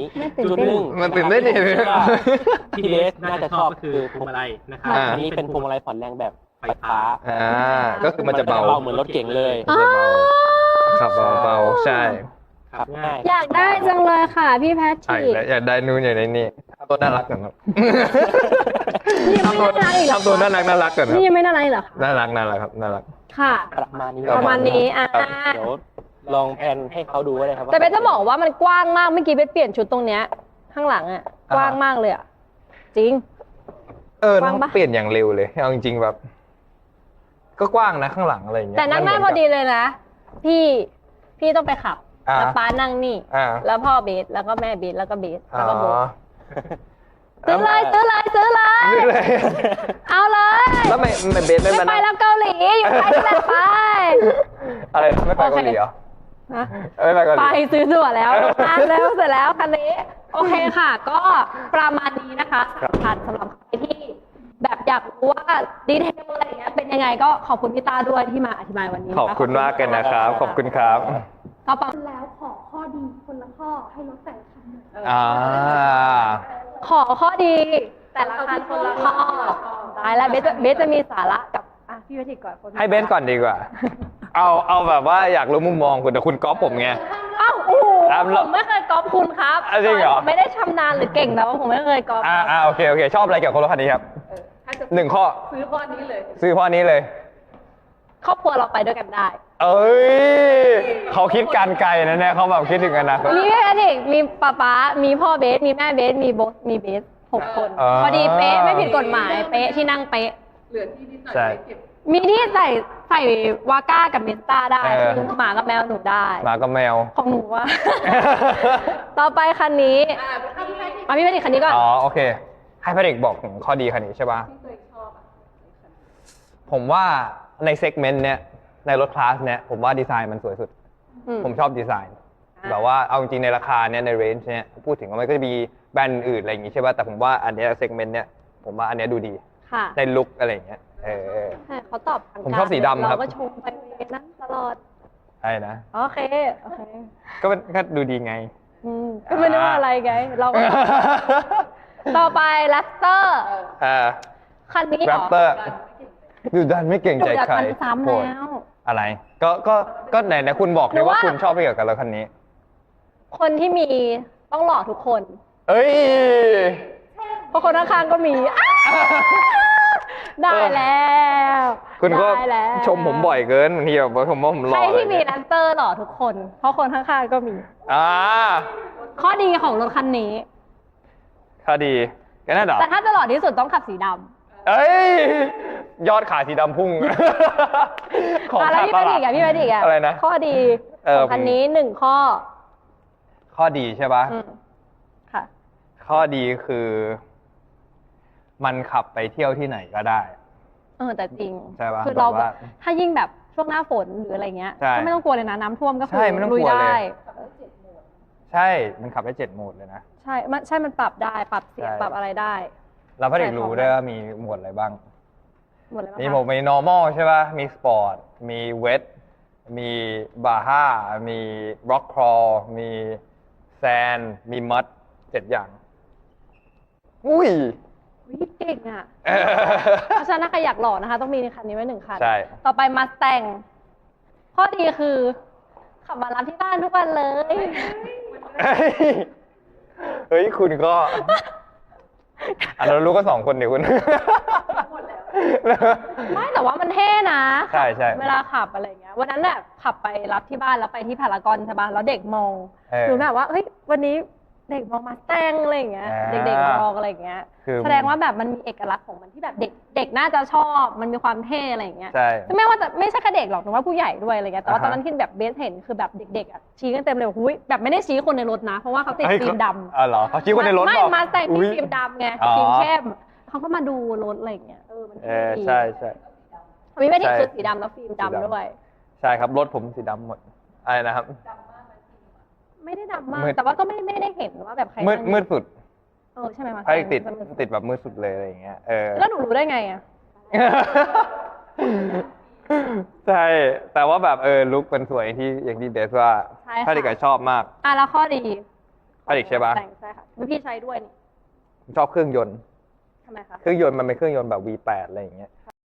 จุดหนึ่งมันตื่นเต้นดิที่เบสน่าจะชอบคือพวงมาลัยนะครับอันนี้เป็นพวงมาลัยผ่อนแรงแบบไฟฟ้าก็คือมันจะเบาเหมือนรถเก๋งเลยมันจะเบาขับเบาใช่ขับง่ายอยากได้จังเลยค่ะพี่แพทใช่ริกแล้วอยากได้นู่นอย่างในนี่ตัวน่ารักก่อนครับนี่ยังไม่น่ารักอีกเหรอทำตัวน่ารักก่อนครับนี่ยังไม่น่ารักอีกเหรอคะน่ารักครับน่ารักค่ะประมาณนี้ประมาณนี้เดี๋ยวลองแพนให้เขาดูก็ได้ครับแต่เบสจะบอกว่ามันกว้างมากเมื่อกี้เบสเปลี่ยนชุดตรงเนี้ยข้างหลังอ่ะกว้างมากเลยอ่ะจริงน้องเปลี่ยนอย่างเร็วเลยเอาจริงๆแบบ ก็กว้างนะข้างหลังอะไรอย่างเงี้ยแต่นั่งได้พอดีเลยนะพี่ต้องไปขับแล้วป้านั่งนี่แล้วพ่อเบสแล้วก็แม่เบสแล้วก็เบสแล้วก็โบซื้อเลยเอาเลยแล้วไม่เบสไม่ไม่ไปแล้วเกาหลีอยู่ไทยนั่นแหละไปอะไรไม่ไปเกาหลีเหรอไม่ไปเกาหลีไปซื้อตั๋วแล้วแล้วเสร็จแล้วคันนี้โอเคค่ะ ก็ประมาณนี้นะคะสำหรับใครที่แบบอยากรู้ว่าดีเทลอะไรอย่างเงี้ยเป็นยังไงก็ขอบคุณพี่ต้าด้วยที่มาอธิบายวันนี้ขอบคุณมากกันนะครับขอบคุณครับก็ประมาณแล้วขอข้อดีคนละข้อให้รถแต่ละคันขอข้อดีแต่ละคันคนละข้อได้แล้วเบสจะมีสาระกับพี่วิทิตก่อนให้เบสก่อนดีกว่าเอาแบบว่าอยากรู้มุมมองคุณแต่คุณก๊อปผมไงอ้าวโอ้โหผมไม่เคยก๊อปคุณครับจริงเหรอไม่ได้ชำนาญหรือเก่งแต่ว่าผมไม่เคยก๊อปโอเคชอบอะไรเกี่ยวกับรถคันนี้ครับ1 ข้อซื้อข้อนี้เลยครอบครัวเราไปด้วยกันได้เขาคิดการไกลนะเนี่ยเขาแบบคิดถึงกันนะมีแค่เด็กมีป๊ามีพ่อเบสมีแม่เบสมีเบส6 คนพอดีเป๊ะไม่ผิดกฎหมายเป๊ะที่นั่งเป๊ะเหลือที่นิดหน่อยเก็บมีที่ใส่วาก้ากับเมสต้าได้หมากับแมวหนูได้หมากับแมวของหนูว่า ต่อไปคันนี้พี่แพทริกคันนี้ก็โอเคให้แพทริกบอกถึงข้อดีคันนี้ใช่ป่ะผมว่าในเซกเมนต์เนี้ยในรถคลาสเนี้ยผมว่าดีไซน์มันสวยสุดผมชอบดีไซน์แบบว่าเอาจริงในราคาเนี้ยในเรนจ์เนี้ยพูดถึงว่ามันก็จะมีแบรนด์อื่นอะไรอย่างงี้ใช่ป่ะแต่ผมว่าอันเนี้ยเซกเมนต์เนี้ยผมว่าอันเนี้ยดูดีในลุคอะไรอย่างเงี้ยเขาตอบผมชอบสีดำครับเราก็ชมไปนั่นตลอดใช่นะโอเคก็ดูดีไงก็ไม่รู้อะไรไงเราก็ต่อไปแรปเตอร์คันนี้แรปเตอร์ดูดันไม่เก่งใจใครซ้ำแล้วอะไรก็ไหนคุณบอกเลยว่าคุณชอบเกี่ยวกับรถคันนี้คนที่มีต้องหล่อทุกคนเพราะคนข้างๆก็มีได้แล้วคุณก็ชมผมบ่อยเกินบางทีแบบผมว่าผมหล่อใครที่มีแรปเตอร์หล่อทุกคนเพราะคนข้างๆก็มีข้อดีของรถคันนี้ข้อดีก็น่าดอกแต่ถ้าจะหล่อที่สุดต้องขับสีดำยอดขายสีดำพุ่งของขาดตลาดพี่แพทริกอะไรนะข้อดีของคันนี้1 ข้อดีใช่ปะค่ะข้อดีคือมันขับไปเที่ยวที่ไหนก็ได้แต่จริงใช่ปะคือเราถ้ายิ่งแบบช่วงหน้าฝนหรืออะไรเงี้ยก็ไม่ต้องกลัวเลยนะน้ำท่วมก็คือลุยได้ใช่มันขับได้7 โหมดเลยนะใช่มันปรับได้ปรับเสียงปรับอะไรได้เราพอดีรู้ได้ว่ามีโหมดอะไรบ้างมีโหมดมี normal ใช่ป่ะมี sport มี wet มี baja มี rock crawl มี sand มี mud 7 อย่างอุ้ยเก่งอ่ะเพราะฉะนั้นใครอยากหล่อนะคะต้องมีในคันนี้ไว้1 คันใช่ต่อไปมาแต่งข้อดีคือขับมารับที่บ้านทุกวันเลยเฮ้ยคุณก็เรารู้ก็2 คนเดี๋ยวคุณไม่แต่ว่ามันเท่นะใช่เวลาขับอะไรเงี้ยวันนั้นน่ะขับไปรับที่บ้านแล้วไปที่พารากอนใช่ป่ะแล้วเด็กมองหนูแบบว่าเฮ้ยวันนี้เด็กมองมาแต่งอะไรเงี้ยเด็กๆมองอะไรเงี้ยแสดงว่าแบบมันมีเอกลักษณ์ของมันที่แบบเด็กน่าจะชอบมันมีความเท่อะไรเงี้ยไม่ว่าจะไม่ใช่แค่เด็กหรอกหนูว่าผู้ใหญ่ด้วยอะไรเงี้ยแต่ว่าตอนนั้นที่แบบเบสเห็นคือแบบเด็กๆชี้กันเต็มเลยหุ้ยแบบไม่ได้ชี้คนในรถนะเพราะว่าเขาติดฟิล์มดำเหรอเขาชี้คนในรถไม่มาแต่งที่ฟิล์มดำไงฟิล์มเข้มเขาก็มาดูรถอะไรเงี้ยมันใช่มีไม่ได้คือสีดำแล้วฟิล์มดำด้วยใช่ครับรถผมสีดำหมดอะไรนะครับไม่ได้ดำมากแต่ว่าก็ไม่ได้เห็นว่าแบบใครมืดสุดใช่ไหมมาติดแบบมืดสุดเลยอะไรอย่างเงี้ยแล้วหนูรู้ได้ไงอ่ะใช่แต่ว่าแบบลุคเป็นสวยที่อย่างที่เบสว่าถ้าเด็กชอบมากแล้วข้อดีพาริกใช่ปะใช่ค่ะพี่ใช้ด้วยนี่ผมชอบเครื่องยนต์ทำไมคะเครื่องยนต์มันเป็นเครื่องยนต์แบบ V8 อะไรอย่างเงี้ย